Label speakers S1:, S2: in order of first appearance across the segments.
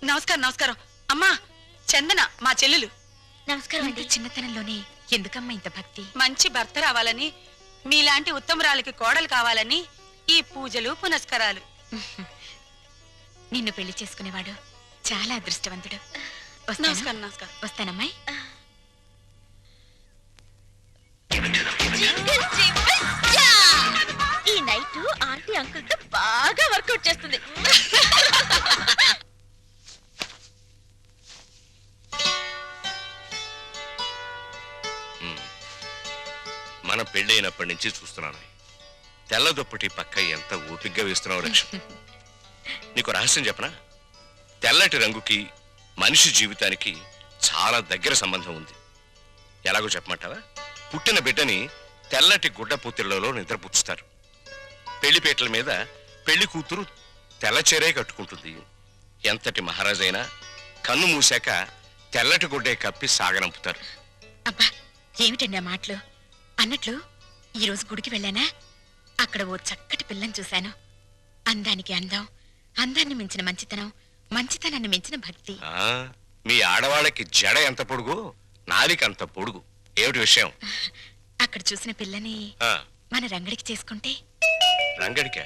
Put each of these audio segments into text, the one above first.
S1: నమస్కారం నమస్కారం. అమ్మా చందన మా చెల్లెలు.
S2: నమస్కారం అండి. చిన్నతనంలోనే ఎందుకమ్మా ఇంత భక్తి?
S1: మంచి భర్త రావాలని, మీలాంటి ఉత్తమరాలకి కోడలు కావాలని ఈ పూజలు పునస్కారాలు.
S2: నిన్ను పెళ్లి చేసుకునేవాడు చాలా అదృష్టవంతుడు.
S1: నమస్కారం నమస్కారం.
S2: వస్తానమ్మాయి.
S3: ఈ నైట్ ఆంటీ అంకుల్ తో బాగా వర్కౌట్ చేస్తుంది.
S4: మన పెళ్ళైనప్పటి నుంచి చూస్తున్నాను. తెల్ల దుప్పటి పక్క ఎంత ఓపిగ్గా వేస్తున్నావు లక్ష్మి. నీకు రహస్యం చెప్పనా? తెల్లటి రంగుకి మనిషి జీవితానికి చాలా దగ్గర సంబంధం ఉంది. ఎలాగో చెప్పమంటావా? పుట్టిన బిడ్డని తెల్లటి గుడ్డ పూతిళ్లలో నిద్రపుచ్చుతారు. పెళ్లిపేటల మీద పెళ్లి కూతురు తెల్లచీరే కట్టుకుంటుంది. ఎంతటి మహారాజైనా కన్ను మూసాక తెల్లటి గుడ్డే కప్పి సాగనంపుతారు.
S2: అబ్బా ఏమిటండి ఆ మాటలు? అన్నట్లు ఈరోజు గుడికి వెళ్ళానా, అక్కడ ఓ చక్కటి పిల్లని చూశాను. అందానికి అందం, అందాన్ని మించిన మంచితనం, మంచితనాన్ని మించిన భక్తి.
S4: మీ ఆడవాళ్ళకి జడ ఎంత పొడుగు, నాలిక అంత పొడుగు. ఏమిటి విషయం?
S2: అక్కడ చూసిన పిల్లని మన రంగడికి చేసుకుంటే.
S4: రంగడికా?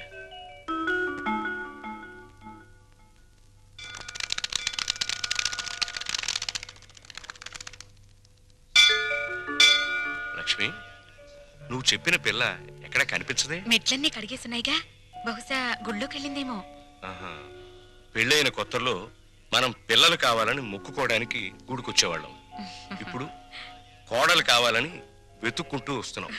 S4: లక్ష్మి, నువ్వు చెప్పిన పిల్ల ఎక్కడ కనిపించదే?
S2: మెట్లన్నీ కడిగేస్తున్నాయిగా, బహుశా గుళ్ళోకి వెళ్ళిందేమో.
S4: పెళ్ళైన కొత్తలో మనం పిల్లలు కావాలని మొక్కుకోవడానికి గుడికొచ్చేవాళ్ళం. ఇప్పుడు కోడలు కావాలని వెతుక్కుంటూ వస్తున్నాం.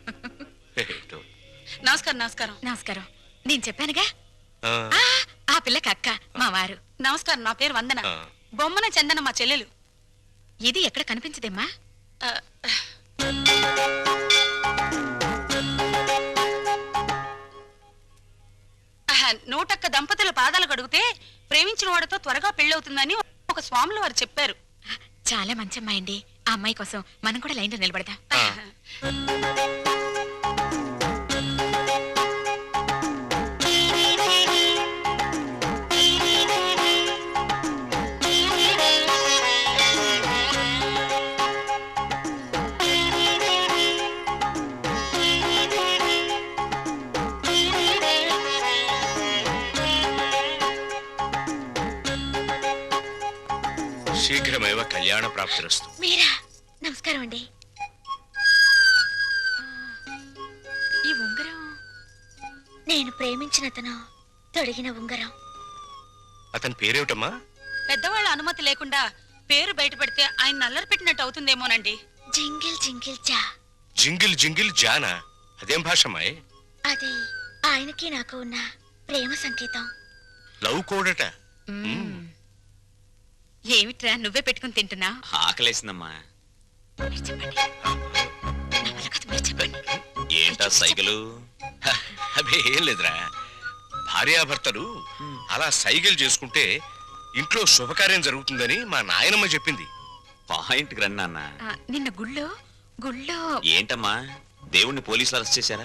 S1: నమస్కారం నమస్కారం.
S2: నమస్కారం. నేను చెప్పానుగా ఆ పిల్లకి అక్క మా వారు.
S1: నమస్కారం. నా పేరు వందన. బొమ్మన చందన మా చెల్లెలు.
S2: ఇది ఎక్కడ కనిపించదేమ్మా?
S1: నూటొక్క దంపతుల పాదాలు కడిగితే ప్రేమించిన వాడితో త్వరగా పెళ్ళవుతుందని ఒక స్వాములు వారు చెప్పారు.
S2: చాలా మంచి అమ్మాయి అండి. ఆ అమ్మాయి కోసం మనం కూడా లైన్లో నిలబడదాం.
S4: శీఘ్రమేవ కళ్యాణ ప్రాప్తిరస్తు.
S3: మీరా? నమస్కారం అండి.
S2: ఈ ఉంగరం
S3: నేను ప్రేమించిన అతను తొడిగిన ఉంగరం.
S4: అతని పేరేమిటమ్మా?
S1: పెద్దవాళ్ళ అనుమతి లేకుండా పేరు బయట పెడితే ఆయన నల్లరి పెట్టినట్టు అవుతుందేమోనండి.
S3: జింగిల్ జింగిల్ జా.
S4: జింగిల్ జింగిల్ జానా? అదేం భాషమ్మాయి?
S3: అది ఆయనకి నాకు ఉన్న ప్రేమ సంకేతం.
S4: లవ్ కోడట.
S2: ఏమిట్రా నువ్వే పెట్టుకుని తింటున్నా?
S5: ఆకలేసిందమ్మా.
S2: చెప్పండి.
S5: ఏంటా సైకిలు?
S4: అదే ఏం లేదురా, భార్యాభర్తలు అలా సైకిల్ చేసుకుంటే ఇంట్లో శుభకార్యం జరుగుతుందని మా నాయనమ్మ చెప్పింది.
S5: పాయింట్ రండి అన్న.
S2: నిన్న గుళ్ళో
S5: ఏంటమ్మా దేవుణ్ణి పోలీసులు అరెస్ట్ చేశారా?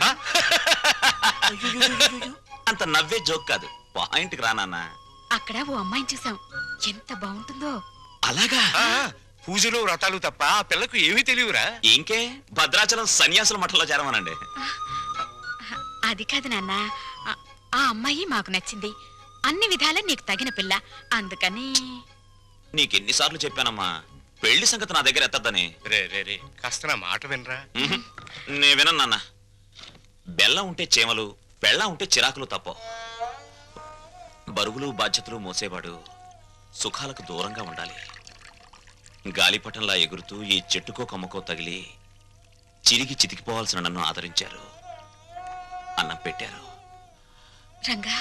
S5: అంత నవ్వే జోక్ కాదు, పాయింట్ రానన్నా.
S2: అక్కడ ఓ అమ్మాయిని చూసాం, ఎంత బాగుంటుందో.
S5: అలాగా?
S4: పూజలు వ్రతాలు తప్ప ఆ పిల్లకు ఏమీ తెలియరా?
S5: ఇంకే భద్రాచలం సన్యాసుల మఠంలో చేరమనండి.
S2: అది కాదు నాన్న, ఆ అమ్మాయి మాకు నచ్చింది. అన్ని విధాలా నీకు తగిన పిల్ల, అందుకని.
S5: నీకెన్నిసార్లు చెప్పానమ్మా పెళ్లి సంగతి నా దగ్గర ఎత్తద్దని.
S4: రే రే రే, కాస్త నా మాట వినరా.
S5: నే వినను నాన్న. బెల్లం ఉంటే చేమలు, బెల్లం ఉంటే చిరాకులు తప్ప. బరువులు బాధ్యతలు మోసేవాడు సుఖాలకు దూరంగా ఉండాలి. గాలిపటంలా ఎగురుతూ ఈ చెట్టుకో కొమ్మకో తగిలి చిరిగి చితికిపోవాల్సిన నన్ను ఆదరించారు, అన్నం పెట్టారు.
S2: రంగా,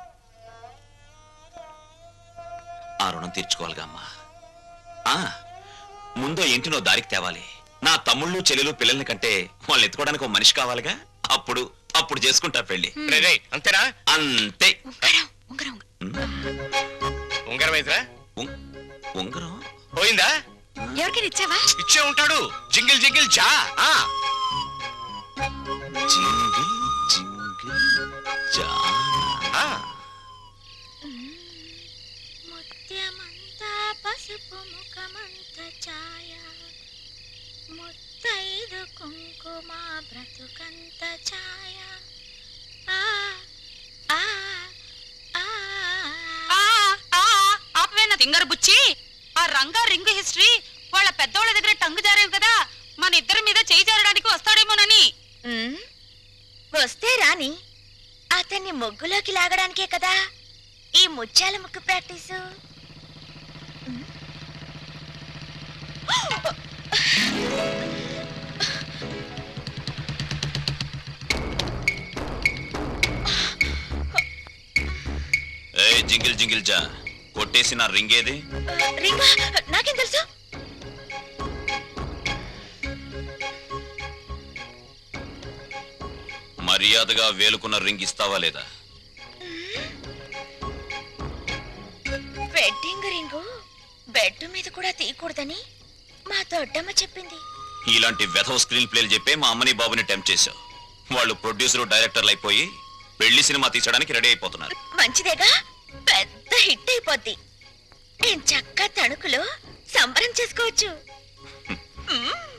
S5: ఆ రుణం తీర్చుకోవాలిగా అమ్మా. ముందో ఇంటినో దారికి తేవాలి. నా తమ్ముళ్ళు చెల్లెలు పిల్లల్ని కంటే వాళ్ళు ఎత్తుకోవడానికి ఒక మనిషి కావాలిగా. అప్పుడు అప్పుడు చేసుకుంటా పెళ్లి.
S4: అంతేనా?
S5: అంతే.
S2: ఉంగరం
S4: ఉంగరం అయితేరా?
S5: ఉంగరం
S4: పోయిందా?
S2: ఎవరికైనా ఇచ్చావా?
S4: ఇచ్చే ఉంటాడు. జింగిల్ జింగిల్ జా.
S5: జింగిల్ జింగిల్ జానా.
S3: ముత్యమ పసుపు ముఖమంత ఛాయ ముత్తైదు కుంకుమ బ్రతుకంత ఛాయ ఆ ఆ ఆ
S1: ఆపవేనా తింగరు బుచ్చి. ఆ రంగా రింగు హిస్టరీ వాళ్ళ పెద్దోళ్ళ దగ్గర టంగు జారేం కదా, మన ఇద్దరి మీద చేయి జారడానికి వస్తాడేమోనని.
S3: ఉమ్, వస్తే రాని, అతన్ని ముగ్గులోకి లాగడానికే కదా ఈ ముత్యాల ముగ్గు ప్రాక్టీసు.
S5: ఏ జింగిల్ జింగిల్ జా, కొట్టేసి నా రింగ్ ఏది?
S3: రింగా నాకేం తెలుసు?
S5: మర్యాదగా వేలుకున్న రింగ్ ఇస్తావా లేదా?
S3: వెడ్డింగ్ రింగు బెడ్ మీద కూడా తీయకూడదని మా దొడ్డమ్మ చెప్పింది.
S5: ఇలాంటి వెధవ స్క్రీన్ ప్లేలు చెప్పే మా అమ్మని బాబుని టెంప్ట్ చేశావు. వాళ్ళు ప్రొడ్యూసర్ డైరెక్టర్లు అయిపోయి పెళ్లి సినిమా తీసడానికి రెడీ అయిపోతున్నారు.
S3: మంచిదేగా, పెద్ద హిట్ అయిపోద్ది. నేను చక్కగా తణుకులో సంబరం చేసుకోవచ్చు.